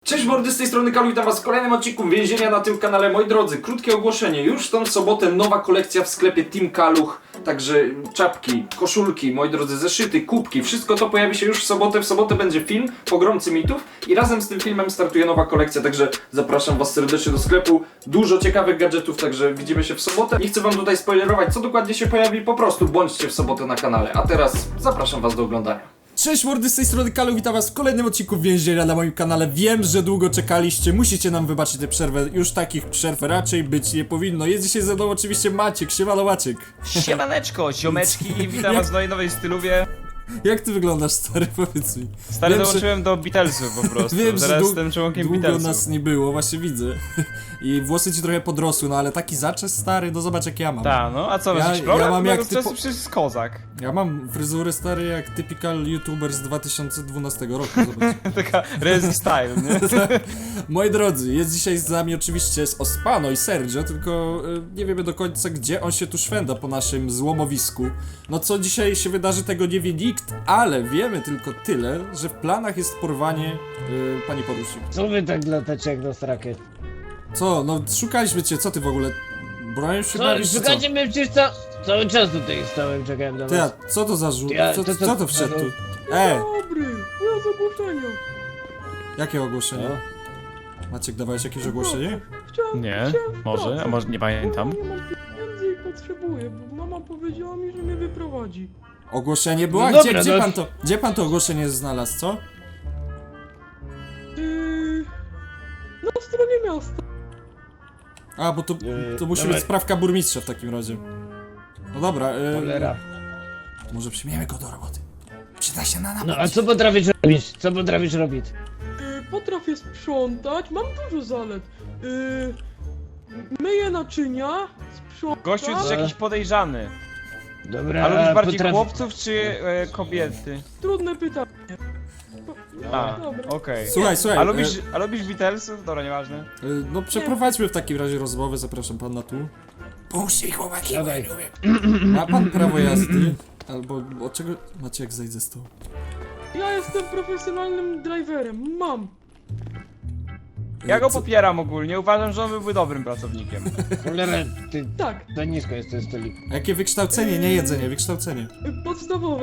Cześć mordy, z tej strony Kalu, witam was w kolejnym odcinku Więzienia na tym kanale. Moi drodzy, krótkie ogłoszenie. Już w tą sobotę nowa kolekcja w sklepie Team Kaluch. Także czapki, koszulki, moi drodzy, zeszyty, kubki. Wszystko to pojawi się już w sobotę. W sobotę będzie film Pogromcy Mitów. I razem z tym filmem startuje nowa kolekcja. Także zapraszam was serdecznie do sklepu. Dużo ciekawych gadżetów, także widzimy się w sobotę. Nie chcę wam tutaj spoilerować, co dokładnie się pojawi. Po prostu bądźcie w sobotę na kanale. A teraz zapraszam was do oglądania. Cześć mordy, z tej strony Kalu, witam was w kolejnym odcinku Więzienia na moim kanale. Wiem, że długo czekaliście, musicie nam wybaczyć tę przerwę. Już takich przerw raczej być nie powinno. Jest dzisiaj ze mną oczywiście Maciek, siemano Maciek. Siemaneczko, ziomeczki, witam was w nowej styluwie. Jak ty wyglądasz, stary, powiedz mi. Stary, Wiem, dołączyłem do Beatlesów po prostu. Wiem, że teraz jestem członkiem długo Beatlesów. nas nie było, właśnie widzę. I włosy ci trochę podrosły, no ale taki zaczes, stary, no zobacz jak ja mam. Ta, no a co, masz Ja- jakiś problem? ja mam jak to jest typo- przecież kozak. Ja mam fryzurę, stary, jak typical youtuber z 2012 roku, zobacz. Taka Rezi style, nie? Moi drodzy, jest dzisiaj z nami oczywiście Ospano i Sergio, tylko nie wiemy do końca, gdzie on się tu szwenda po naszym złomowisku. No co dzisiaj się wydarzy, tego nie wie nikt, ale wiemy tylko tyle, że w planach jest porwanie pani porucznik. Co wy tak latacie jak do rakiet? Co? No szukaliśmy cię, co ty w ogóle? Bronisz się Co, bawisz, czy co? szukacie mnie przecież cały czas tutaj stałem, czekałem na Ty, a was. co to za żółt? Ja- Co to wszedł tu? Dobry, ja z ogłoszenia. Jakie ogłoszenie? No. Maciek, dawałeś jakieś ogłoszenie? Nie, może, a może nie pamiętam. Nie mam pieniędzy i potrzebuję, bo mama powiedziała mi, że mnie wyprowadzi. Ogłoszenie było? A No gdzie, dobra, gdzie, no. gdzie pan to ogłoszenie znalazł, co? Na stronie miasta. A, bo to musi Dawaj. być sprawka burmistrza w takim razie. No dobra, Cholera. może przyjmiemy go do roboty. Przyda się na No napad. a co potrafisz robić? Co potrafisz robić? Potrafię sprzątać, mam dużo zalet. Myję naczynia, sprzątam. Gościu jest jakiś podejrzany. Dobra, A lubisz bardziej potrafi- chłopców czy kobiety? Trudne pytanie. A, Dobra. okej. Słuchaj, A lubisz Beatlesów? Dobra, nieważne. no przeprowadźmy w takim razie rozmowę, zapraszam pana tu. Puśćcie chłopaki, Dawaj. ma pan prawo jazdy? Albo od czego... Maciek, zejdź ze stołu. Ja jestem profesjonalnym driverem, mam. Ja go Co- popieram ogólnie, uważam, że on byłby dobrym pracownikiem. Cholera, ty Tak, za nisko jest ten stolik. Jakie wykształcenie, nie jedzenie, wykształcenie. podstawowe.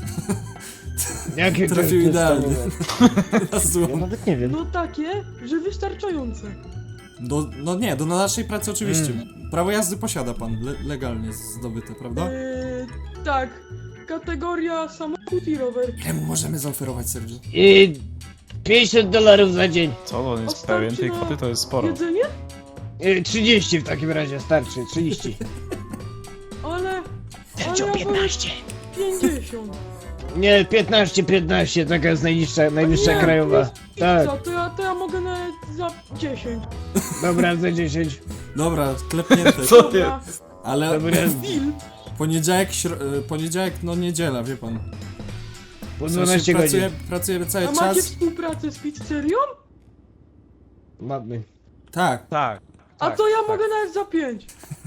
Jakie to Trafił jest idealnie. podstawowe? Na Ja złom. nawet nie wiem. No takie, że wystarczające. No nie, do naszej pracy oczywiście. Prawo jazdy posiada pan, legalnie zdobyte, prawda? Tak. Kategoria samochód i rower. Ile mu możemy zaoferować, Sergio? I $50 za dzień. Co, on jest pewien tej kwoty, to jest Jedzenie? 30 w takim razie, starczy, 30. Ale ja 15. 50. Nie, 15, taka jest najwyższa Nie, krajowa. to Tak, Co, to ja mogę nawet za 10. dobra, za 10. Dobra, klepnięte. Dobra. Ale Dobra, Deal. poniedziałek, no niedziela, wie pan. po W sensie 12 godzin. Pracujemy cały A macie czas. współpracę z pizzerią? Mamy. Tak. Tak. A tak, to ja tak. mogę nawet za 5.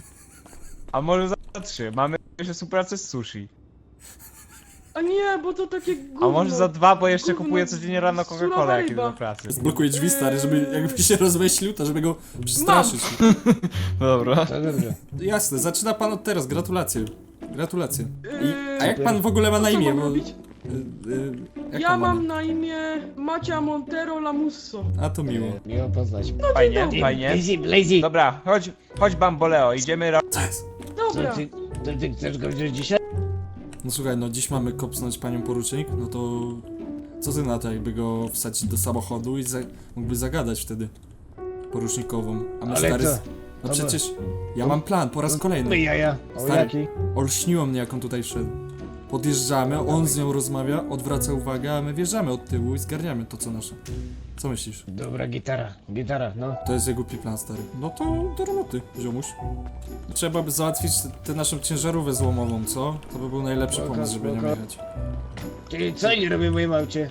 A może za 3? Mamy jeszcze współpracę z sushi. A nie, bo to takie gówno. A może za 2, bo jeszcze Gówno, kupuję codziennie rano surowa Coca-Colę jak idę ryba. do pracy. Zblokuję drzwi, stary, żeby jakby się rozmyślił, to żeby go przestraszyć. Dobra. To dobrze. Jasne, zaczyna pan od teraz, gratulacje. Gratulacje. Yy, A jak pan w ogóle ma na co imię? mam Bo, robić? jak Ja pan ma mam na imię Macia Montero Lamusso. A to miło. Miło poznać. Fajnie, dobry. fajnie. Lazy. Dobra, chodź Bamboleo, idziemy Co jest? Dobra. To ty chcesz go wziąć dzisiaj? No słuchaj, no dziś mamy kopsnąć panią porucznik, no to... Co ty na to, jakby go wsadzić do samochodu i mógłby zagadać wtedy porucznikową. A my Ale stary... co? No Dobra. przecież ja mam plan po raz No kolejny. jaja. O Stary. jaki? Olśniło mnie, jak on tutaj wszedł. Podjeżdżamy, on z nią rozmawia, odwraca uwagę, a my wjeżdżamy od tyłu i zgarniamy to, co nasze. Co myślisz? Dobra, gitara, no. To jest jego plan, stary. No to do roboty, ziomuś. Trzeba by załatwić tę naszą ciężarówkę złomową, co? To by był najlepszy Spoko, pomysł, żeby nią spoko. jechać. Czyli co nie robię w moim aucie?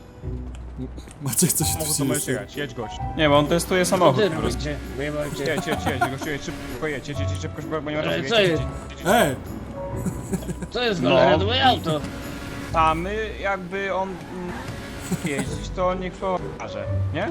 Maciek, coś tu się jest. jedź gość. Nie, bo on testuje Co samochód ty po prostu. robicie w moim aucie? Jedź, gościu, jedź, szybko, bo nie ma Ale czasu. co jest? Ej! Co jest No. cholera, to moje auto? A my jakby on jeździć, to niech to pokaże, nie?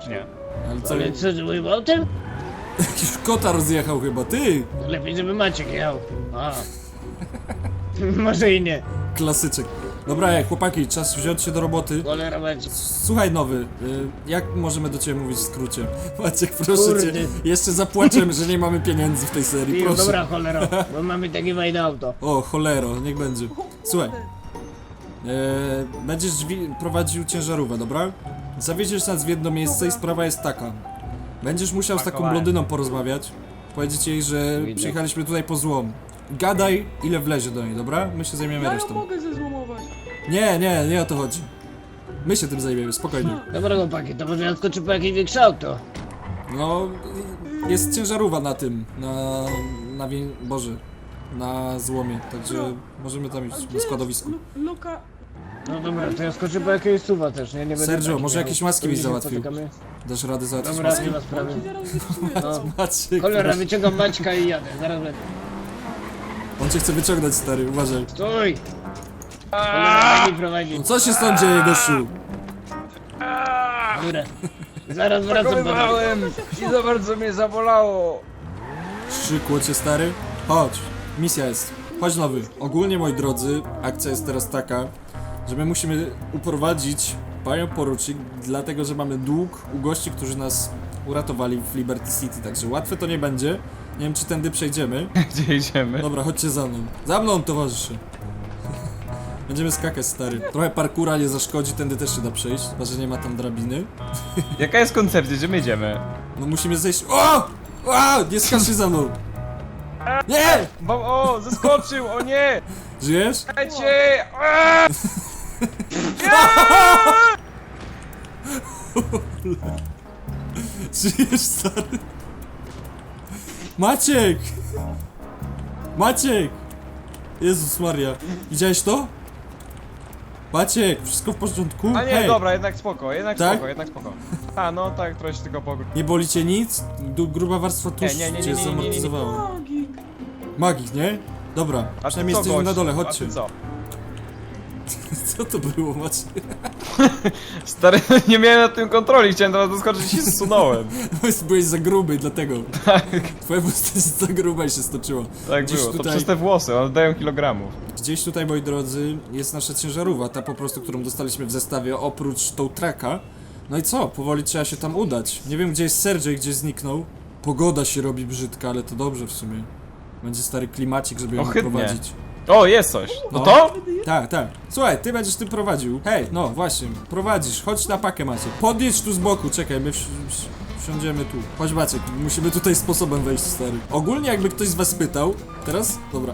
czy nie? Ale co, Ale co, że moim autem? jakiś kota rozjechał chyba, ty! Lepiej, żeby Maciek jechał. A. Może i nie. Klasyczek. Dobra, chłopaki, czas wziąć się do roboty. Cholera Maciek. Słuchaj nowy, jak możemy do ciebie mówić w skrócie? Maciek, proszę Kurde. cię, jeszcze zapłaczemy, że nie mamy pieniędzy w tej serii, Pił, proszę. dobra cholera, bo mamy takie fajne auto. O, cholero, niech będzie. Słuchaj, będziesz prowadził ciężarówkę, dobra? Zawieziesz nas w jedno miejsce i sprawa jest taka. Będziesz musiał z taką Pakowałem. blondyną porozmawiać, powiedzieć jej, że Widzę. przyjechaliśmy tutaj po złom. Gadaj, ile wlezie do niej, dobra? My się zajmiemy Ja ją resztą. mogę zezłomować. Nie o to chodzi. My się tym zajmiemy, spokojnie. Dobra chłopaki, to może ja skoczę po jakieś większe auto. No, jest ciężarówka na tym, Boże, na złomie, także możemy tam iść na składowisku. Luka... No dobra, to ja skoczę po jakiegoś suwa też, nie? Nie będę Sergio, taki może miał. jakieś maski To byś się załatwił? spotykamy. Dasz radę załatwić Dobra, maski? nie ma sprawy. Ci zaraz wypsuję. No. Maciek, Cholera, proszę. wyciągam Maćka i jadę, zaraz będę. On cię chce wyciągnąć, stary, uważaj. Stój! Cholera, daj mi prowadzi. No co się stąd dzieje, gościu? Dobra. Zaraz wracam do domu. I za bardzo mnie zabolało. Szczykło cię, stary? Chodź, misja jest. Chodź nowy. Ogólnie, moi drodzy, akcja jest teraz taka, że my musimy uprowadzić panią porucznik, dlatego że mamy dług u gości, którzy nas uratowali w Liberty City, także łatwe to nie będzie. Nie wiem, czy tędy przejdziemy. Gdzie idziemy? Dobra, chodźcie za mną. Za mną, towarzyszy. Będziemy skakać, stary. Trochę parkura nie zaszkodzi, tędy też się da przejść, chyba że nie ma tam drabiny. Jaka jest koncepcja, gdzie my idziemy? No musimy zejść... O! O! Nie skacz się za mną! Nie! O, zeskoczył, o nie! Żyjesz? Lecie! Żyjesz, stary? Maciek! Maciek! Jezus Maria. Widziałeś to? Maciek, wszystko w porządku? A nie, Hej, dobra, jednak spoko, jednak Tak? spoko, jednak spoko. A, no tak, trochę się tylko pogód. nie boli cię nic? Gruba warstwa tłuszczu Nie, cię zamortyzowała. Magik. Magik, nie? Dobra, A ty przynajmniej co, jesteśmy na gość? dole, A chodźcie. ty co? Co to było, Maciek? Stary, nie miałem nad tym kontroli, chciałem teraz doskoczyć i się zsunąłem. Byłeś za gruby, dlatego. Twoja postać jest za gruba i się stoczyła. Tak Gdzieś było, to tutaj- przez te włosy, one dają kilogramów. Gdzieś tutaj, moi drodzy, jest nasza ciężarówka, ta po prostu, którą dostaliśmy w zestawie, oprócz tą traka. No i co? Powoli trzeba się tam udać. Nie wiem, gdzie jest Sergio i gdzie zniknął. Pogoda się robi brzydka, ale to dobrze w sumie. Będzie stary klimacik, żeby ją Ohydnie. prowadzić. O, jest coś. No No. to? Tak, tak. Słuchaj, ty będziesz tym prowadził. Hej, no właśnie, prowadzisz. Chodź na pakę, Maciek. Podjedź tu z boku, czekaj, my wsiądziemy tu. Chodź, Maciek, musimy tutaj sposobem wejść, stary. Ogólnie jakby ktoś z was pytał, teraz? Dobra.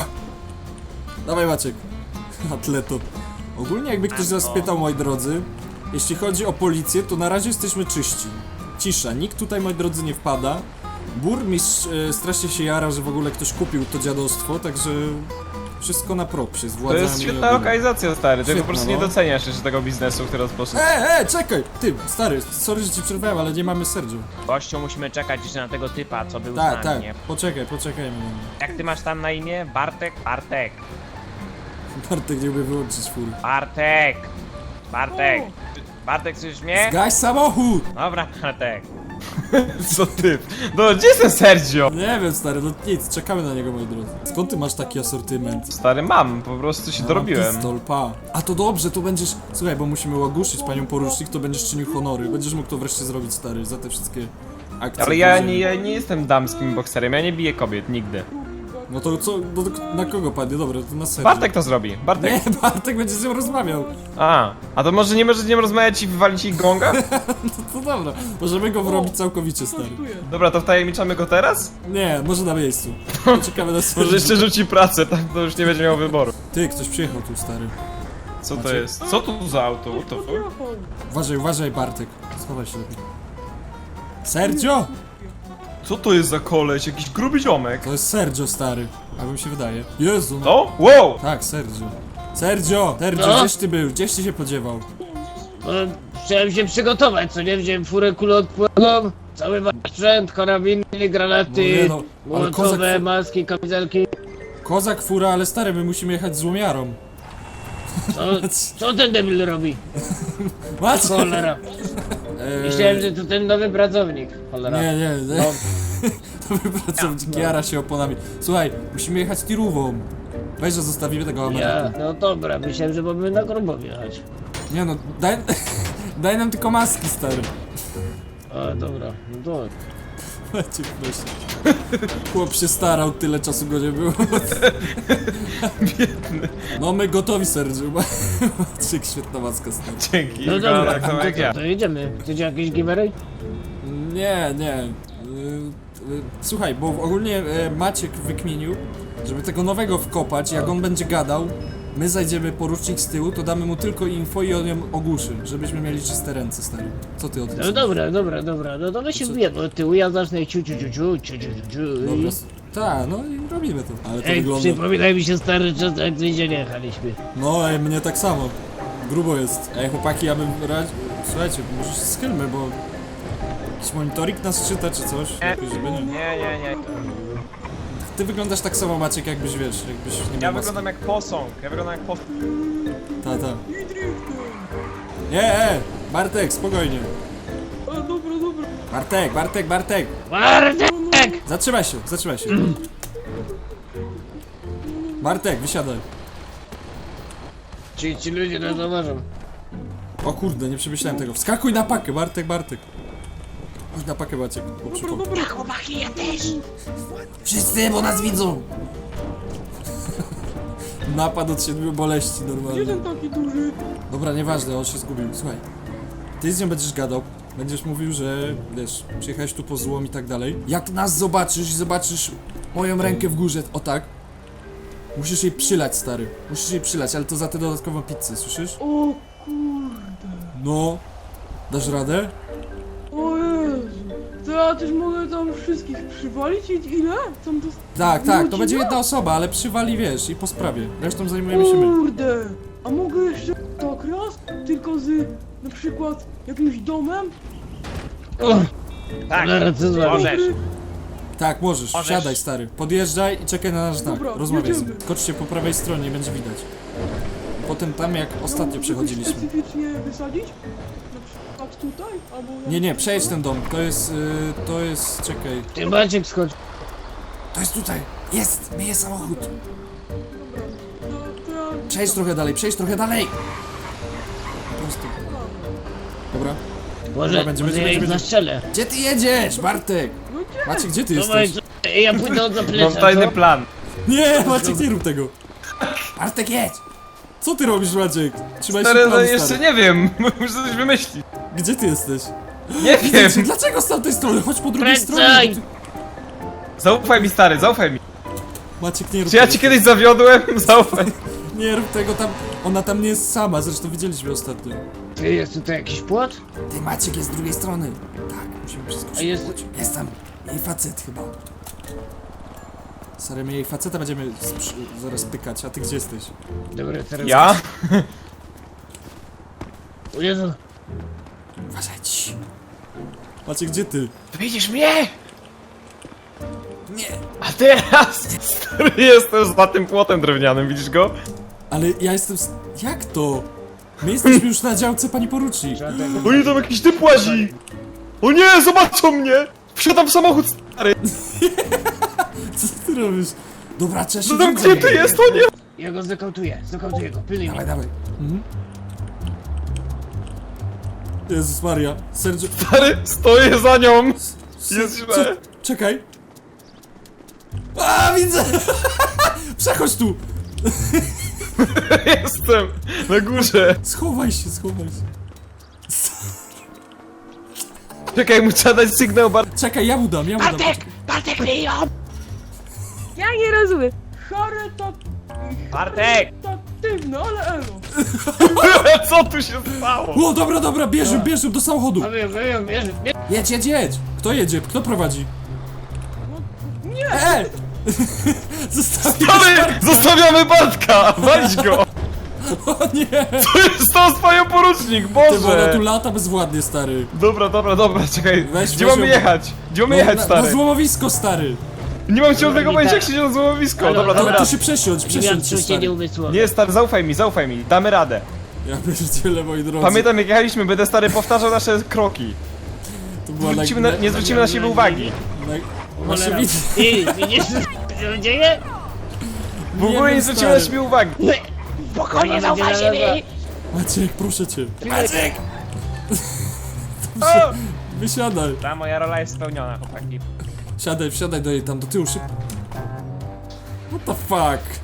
Dawaj, Maciek. Atleto. Ogólnie jakby ktoś z was pytał, moi drodzy, jeśli chodzi o policję, to na razie jesteśmy czyści. Cisza, nikt tutaj, moi drodzy, nie wpada. Burmistrz strasznie się jara, że w ogóle ktoś kupił to dziadostwo, także wszystko na propsie z To władzami. jest świetna ogólnie. lokalizacja, stary. Ty Świetna, po prostu no. nie doceniasz jeszcze tego biznesu, który rozpoczął. Czekaj! Ty, stary, sorry, że ci przerwałem, ale nie mamy Sergio. Gościu, musimy czekać jeszcze na tego typa, co był z Tak, nami, tak, nie? poczekajmy. Jak ty masz tam na imię? Bartek? Bartek. Bartek nie umie wyłączyć fury. Bartek. Bartek. Bartek, słyszysz mnie? Zgaś samochód! Dobra, Bartek. Co ty? No, gdzie jest ten Sergio? Nie wiem, stary, no nic, czekamy na niego, moi drodzy. Skąd ty masz taki asortyment? Stary, mam, po prostu się Ja mam dorobiłem. Pistol, pa. A to dobrze, to będziesz... Słuchaj, bo musimy ogłuszyć panią porucznik, to będziesz czynił honory. Będziesz mógł to wreszcie zrobić, stary, za te wszystkie akcje. Ale ja które- nie jestem damskim bokserem, ja nie biję kobiet, nigdy. No to co, no to na kogo padnie? Dobra, to na Sergio. Bartek to zrobi, Bartek. Nie, Bartek będzie z nią rozmawiał. A to może nie możesz z nim rozmawiać i wywalić ich gonga? To dobra, możemy go wrobić całkowicie, stary. Kosztuje. Dobra, to wtajemniczamy go teraz? Nie, może na miejscu. Czekamy na Może Sergio. jeszcze rzuci pracę, tak to już nie będzie miał wyboru. Ty, ktoś przyjechał tu, stary. Co to Macie? jest? Co to za auto? What the fuck? Podjechał. Uważaj, Bartek. Schowaj się lepiej. Sergio! Co to jest za koleś? Jakiś gruby ziomek? To jest Sergio, stary. A mi się wydaje. Jezu, no. To? Wow! Tak, Sergio. Sergio, No? gdzieś ty był? Gdzieś ty się podziewał? No, chciałem się przygotować, co nie? Wziąłem furę kuloodporną, cały sprzęt, karabiny, granaty, No nie no, ale młotowe, kozak- maski, kamizelki. Kozak, fura, ale stary, my musimy jechać z łomiarą. Co ten debil robi? Macie! Cholera. Myślałem, że to ten nowy pracownik. Cholera. Nie. No, Nowy pracownik jara się oponami. Słuchaj, musimy jechać tirówą. Weź, że zostawimy tego ja, Ameryku. no dobra, myślałem, że mamy na grubo wjechać. Nie no, daj nam tylko maski, stary. A, dobra, no to... Macie, proszę. Chłop się starał, tyle czasu go nie było. Biedny. No my gotowi, Sergiu. Maciek, świetna maska, stary. Dzięki, No wygląda dobra, tak samo to, jak ja. to jedziemy. Chcecie jakieś givery? Nie. Słuchaj, bo ogólnie Maciek wykminił, żeby tego nowego wkopać, jak on będzie gadał, my zajdziemy porucznik z tyłu, to damy mu tylko info i on ją ogłuszy, żebyśmy mieli czyste ręce, stary. Co ty o tym No sądzisz? dobra, no to my się wbijemy od tyłu, ja zacznę ciu. Dobra, tak, no i robimy to. Ale to Ej, wygląda... przypomina mi się stary czas, jak z więzienia jechaliśmy. No, ej, mnie tak samo. Grubo jest. Ej, chłopaki, ja bym radził... Słuchajcie, może się schylmy, bo... Jakiś monitoring nas czyta, czy coś? Jakoś, żeby nie. Nie. Ty wyglądasz tak samo, Maciek, jakbyś, wiesz, jakbyś nie Ja miał maski. wyglądam jak posąg. Ta. I driftem. Nie, Bartek, spokojnie. A, dobra. Bartek! Bartek! Zatrzymaj się. Bartek, wysiadaj. Ci ludzie nas zauważą. O kurde, nie przemyślałem tego. Wskakuj na pakę, Bartek. Chodź na pakę, Maciek. Dobra. Chłopaki, ja też! Wszyscy, bo nas widzą! Napad od 7 boleści, Gdzie normalnie. ten taki duży? Dobra, nieważne, on się zgubił. Słuchaj, ty z nią będziesz gadał, będziesz mówił, że wiesz, przyjechałeś tu po złom i tak dalej. Jak nas zobaczysz moją rękę w górze, o tak. Musisz jej przylać, stary. Musisz jej przylać, ale to za tę dodatkową pizzę, słyszysz? O kurde. No. Dasz radę? O Jezu. To ja też mogę tam wszystkich przywalić i ile? Tam to... Tak, to Godzina? będzie jedna osoba, ale przywali, wiesz, i po sprawie. Resztą zajmujemy się my. Kurde. A mogę jeszcze tak raz? Tylko z na przykład jakimś domem? Tak, Cholera, co z wami? możesz. Tak, możesz, Możesz. siadaj, stary. Podjeżdżaj i czekaj na nasz znak. Dobra, Rozmawiaj z nim. jedziemy. Skoczcie po prawej stronie, będzie widać. Potem tam, jak ostatnio Mogę przechodziliśmy. specyficznie wysadzić? Na przykład tutaj? Albo... Nie, przejedź ten dom. To jest, czekaj. Ty Maciek schodź. To jest tutaj. Jest, myje samochód. Dobra. To ja... Przejdź trochę dalej. Po prostu. Dobra. Może będziemy- ja ich będziemy- zastrzelę. Gdzie ty jedziesz, Bartek? No gdzie? Maciek, gdzie ty Dawaj, jesteś? ja pójdę od Mam zaplecza, tajny co? plan. Nie, Maciek, nie rób tego. Bartek, jedź. Co ty robisz, Maciek? Trzymaj się Stary, no planu, jeszcze stary. nie wiem. Muszę coś wymyślić. Gdzie ty jesteś? Nie wiem. Dlaczego z tamtej strony? Chodź po drugiej Kręcaj! stronie. Zaufaj mi, stary, zaufaj mi. Maciek, nie rób Czy ja tego. ci kiedyś zawiodłem? Zaufaj. Nie rób tego tam. Ona tam nie jest sama, zresztą widzieliśmy ostatnio. Ty, jest tutaj jakiś płot? Ty, Maciek jest z drugiej strony. Tak, musimy przeskoczyć. A jest- Jest tam jej facet chyba. Stary, my jej faceta będziemy zaraz pykać, a ty gdzie jesteś? Dobra, teraz... Ja? O Jezu. Uważaj ci. Maciek, gdzie ty? Widzisz mnie? Nie. A teraz stary, jestem za tym płotem drewnianym, widzisz go? Ale ja jestem... Jak to? My jesteśmy już na działce, pani porucznik. Oni tam jakiś typ łazi. O nie, zobaczą mnie! Wsiadam w samochód, stary. Co ty robisz? Dobra, trzeba się No tam wrzucać. gdzie ty jest, o nie! Ja go zakautuję go, pilnuj mnie. Dawaj. Mhm. Jezus Maria. Sergio... Stary, stoję za nią. Jest Co? źle. Czekaj. A, widzę! Przechodź tu! Jestem na górze. Schowaj się. Czekaj, mu trzeba dać sygnał Czekaj, ja mu dam. Bartek, wyjął! Ja nie rozumiem. Bartek! Charytatywne, ale elo. Co tu się stało? O, dobra, bierz do samochodu. Wyjął, bierz. Jedź. Kto jedzie? Kto prowadzi? Nie! Zostawił. Stary, zostawiamy Bartka! Walić go! O nie! To jest to swoją porucznik, Ty, bo ona tu Boże! lata bezwładnie, stary. Dobra, czekaj. Weź Gdzie ją. mamy jechać? Gdzie mamy jechać, na stary? złomowisko, stary. Nie mam ciągłego Dobra, pojęcia, jak tak. się na złomowisko. Halo, Dobra, halo. damy To radę. się przesiądź Nie miałem się, się stary. umysłowe. Nie, stary, zaufaj mi, damy radę. Ja pierdzielę, moi drodzy. Pamiętam jak jechaliśmy, będę stary powtarzał nasze kroki. To była Nie zwrócimy na siebie uwagi. Właśnie Cholera. widzę. Ty, widzisz co się dzieje? W ogóle nie zwrócimy na siebie uwagi. Spokojnie, zauważy mi! Maciek, proszę cię. Maciek! O! Wysiadaj. Ta moja rola jest spełniona, chłopaki. Wsiadaj do jej tam do tyłu szybko. What the fuck?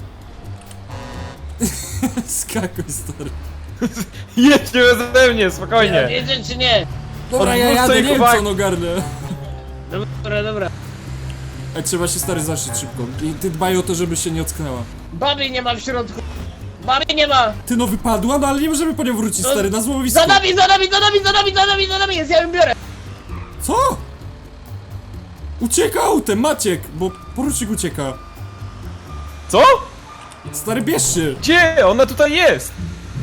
Skakuj, stary. Jedź nie beze mnie, spokojnie. Jedzie czy nie? Dobra, ja Odwróć jadę, sobie nie wiem uwagę. co on ogarnę. Dobra. Ej, trzeba się stary zaszyć szybko. I ty dbaj o to, żeby się nie ocknęła. Baby nie ma w środku. Baby nie ma! Ty no wypadła, no ale nie możemy po nią wrócić, stary, na złomowisku. Za nami jest, ja ją biorę! Co? Ucieka autem, Maciek, bo porucznik ucieka. Co? Stary, bierz się. Gdzie? Ona tutaj jest!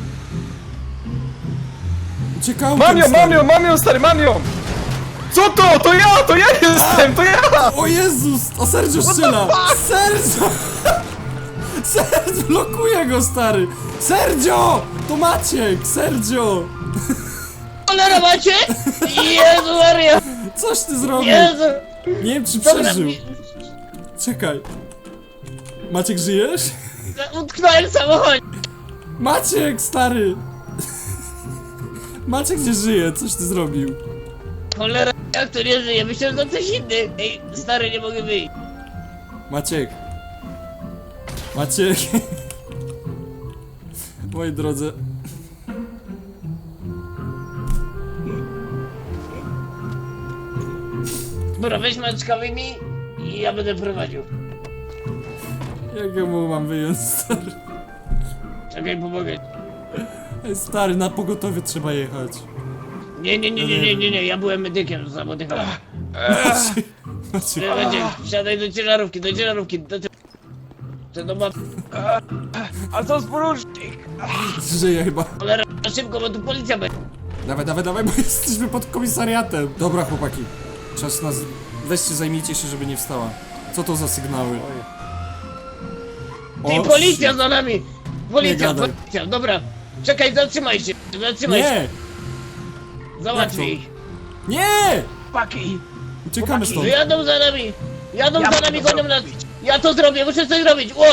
Ucieka autem, Mam ją, stary. mam ją, stary, mam ją! Co to? To ja jestem, to ja! O Jezus, o Sergio strzela. Sergio! Sergio, blokuje go, stary. Sergio! To Maciek, Sergio! Cholera macie? Jezu Maria! Coś ty zrobił. Jezu! Nie wiem, czy Dobra, przeżył. Czekaj. Maciek, żyjesz? utknąłem w samochodzie! Maciek, stary! Maciek nie żyje, coś ty zrobił. Cholera, jak to nie żyje? Myślałem, że to coś inny. Ej, stary, nie mogę wyjść. Maciek. Maciek. Moi drodzy. Dobra, weź maczkawymi i ja będę prowadził. Jak ja mu mam wyjąć, stary? Czekaj, pomogę. Ej, stary, na pogotowie trzeba jechać. Nie, ja byłem medykiem z samochodem. Maciek, Wsiadaj do ciężarówki, to ma... A co z porucznik? żyje chyba. Cholera, szybko, bo tu policja będzie. Dawaj, bo jesteśmy pod komisariatem. Dobra, chłopaki. Czas nas... Weźcie, zajmijcie się, żeby nie wstała. Co to za sygnały? Ty, O, policja za nami! Policja, gadaj. dobra. Czekaj, zatrzymaj się. Nie! Załatwij Jak to? ich. Nie! Chłopaki! Uciekamy stąd. Jadą za nami, Ja gonią mogę nas. zrobić. Ja to zrobię, muszę coś zrobić. Ło!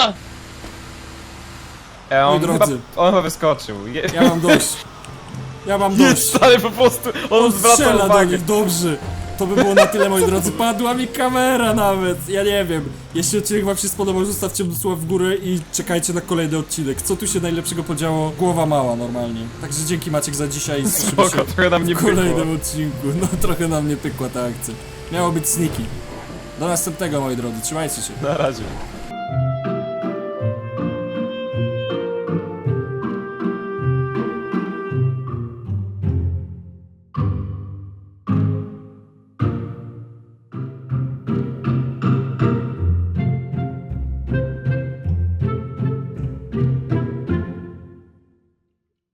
On Moi chyba, drodzy. on chyba wyskoczył. Ja mam dość. Ja mam Jest, dość. stary, po prostu, on zwraca Strzela do uwagę. nich, dobrze. To by było na tyle, moi drodzy. Padła mi kamera nawet. Ja nie wiem. Jeśli odcinek wam się spodobał, zostawcie słów w górę i czekajcie na kolejny odcinek. Co tu się najlepszego podziało? Głowa mała normalnie. Także dzięki, Maciek, za dzisiaj. Słyszymy Spoko, się trochę nam nie w pykło. kolejnym odcinku. No trochę nam nie pykła ta akcja. Miało być sneaky. Do następnego, moi drodzy. Trzymajcie się. Na razie.